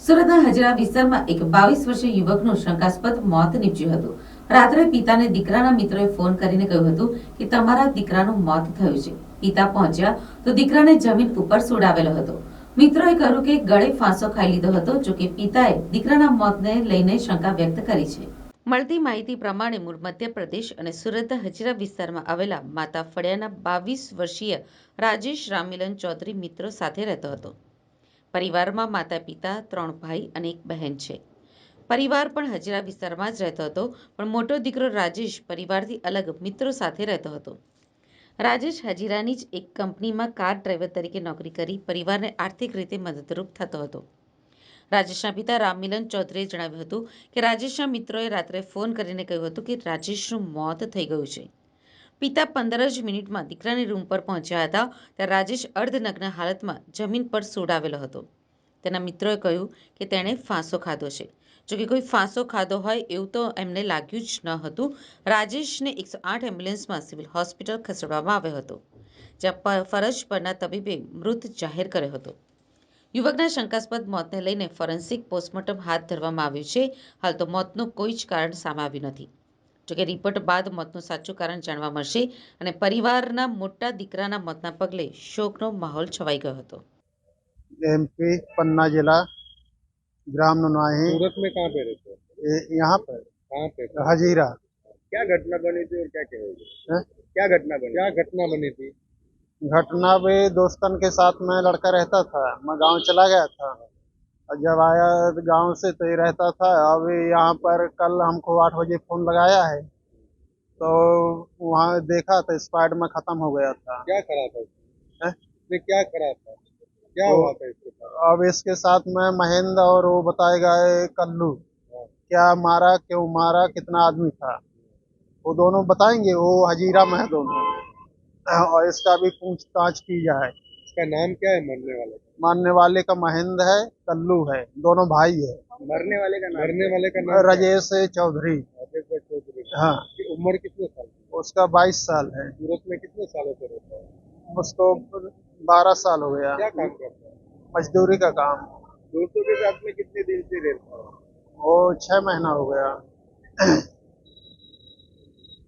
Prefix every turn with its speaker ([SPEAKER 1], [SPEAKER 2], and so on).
[SPEAKER 1] સુરતના હજરા વિસ્તારમાં એક 22 વર્ષીય યુવકનું શંકાસ્પદ મોત નીપજ્યું હતું. રાત્રે પિતાને દીકરાના મિત્રોએ ફોન કરીને કહ્યું હતું કે તમારા દીકરાનું મોત થયું છે. પિતા પહોંચ્યા તો દીકરાને જમીન ઉપર સુડાવેલો હતો. મિત્રોએ કહ્યું કે ગળે ફાંસો ખાઈ લીધો હતો. જોકે પિતાએ દીકરાના મોતને લઈને શંકા વ્યક્ત કરી છે. મળતી માહિતી પ્રમાણે મૂળ મધ્યપ્રદેશ અને સુરતના હજરા વિસ્તારમાં આવેલા માતા ફળિયાના 22 વર્ષીય રાજેશ રામમિલન ચૌધરી મિત્રો સાથે રહેતો હતો. પરિવારમાં માતા પિતા, 3 ભાઈ અને 1 બહેન છે. પરિવાર પણ હજરા વિસ્તારમાં જ રહેતો હતો, પણ મોટો દીકરો રાજેશ પરિવારથી અલગ મિત્રો સાથે રહેતો હતો. રાજેશ હજીરાની જ એક કંપનીમાં કાર ડ્રાઈવર તરીકે નોકરી કરી પરિવારને આર્થિક રીતે મદદરૂપ થતો હતો. રાજેશના પિતા રામમિલન ચૌધરીએ જણાવ્યું હતું કે રાજેશના મિત્રોએ રાત્રે ફોન કરીને કહ્યું હતું કે રાજેશનું મોત થઈ ગયું છે. પિતા 15 જ મિનિટમાં દીકરાની રૂમ પર પહોંચ્યા હતા ત્યારે રાજેશ અર્ધનગ્ન હાલતમાં જમીન પર સુડાવેલો હતો. તેના મિત્રોએ કહ્યું કે તેણે ફાંસો ખાધો છે. જોકે કોઈ ફાંસો ખાધો હોય એવું તો એમને લાગ્યું જ ન હતું. રાજેશને 108 એમ્બ્યુલન્સમાં સિવિલ હોસ્પિટલ ખસેડવામાં આવ્યો હતો, જ્યાં ફરજ પરના તબીબે મૃત જાહેર કર્યો હતો. યુવકના શંકાસ્પદ મોતને લઈને ફોરેન્સિક પોસ્ટમોર્ટમ હાથ ધરવામાં આવ્યું છે. હાલ તો મોતનું કોઈ જ કારણ સામે આવ્યું નથી. જોકે રિપોર્ટ બાદ મોતનું સાચું કારણ જાણવા મળશે અને પરિવારના મોટા દીકરાના મોતના પગલે શોકનો માહોલ છવાઈ ગયો હતો.
[SPEAKER 2] MP पन्ना जिला ग्राम नुनाही।
[SPEAKER 3] सूरत में कहाँ पे रहते हो?
[SPEAKER 2] यहाँ पर
[SPEAKER 3] कहाँ पे?
[SPEAKER 2] हजीरा।
[SPEAKER 3] क्या घटना बनी थी और क्या कहोगे?
[SPEAKER 2] है?
[SPEAKER 3] क्या घटना बनी थी?
[SPEAKER 2] घटना भी दोस्तन के साथ में लड़का रहता था, मैं गांव चला गया था और जब आया गांव से तो ये रहता था। अभी यहाँ पर कल हमको 8 बजे फोन लगाया है तो वहाँ देखा तो स्पाइड में खत्म हो गया था।
[SPEAKER 3] क्या करा था
[SPEAKER 2] है?
[SPEAKER 3] उसने? क्या करा था? क्या
[SPEAKER 2] तो
[SPEAKER 3] हुआ था इसके साथ?
[SPEAKER 2] अब इसके साथ में महेंद्र और वो बताएगा ये कल्लू क्या मारा, क्यों मारा, कितना आदमी था, वो दोनों बताएंगे। वो हजीरा में है दोनों, और इसका भी पूछताछ की जाए।
[SPEAKER 3] इसका नाम क्या है मरने वाले का?
[SPEAKER 2] मारने वाले का महेंद्र है, कल्लू है, दोनों भाई है।
[SPEAKER 3] मरने वाले का नाम
[SPEAKER 2] राजेश चौधरी।
[SPEAKER 3] राजेश चौधरी।
[SPEAKER 2] हाँ,
[SPEAKER 3] की उम्र कितने साल की?
[SPEAKER 2] उसका 22 साल है।
[SPEAKER 3] सूरत में कितने सालों से रहता है?
[SPEAKER 2] उसको 12 साल हो गया।
[SPEAKER 3] क्या काम करता है?
[SPEAKER 2] मजदूरी का काम।
[SPEAKER 3] दोस्तों के साथ में कितने दिन से रहता है?
[SPEAKER 2] वो 6 महीना हो गया।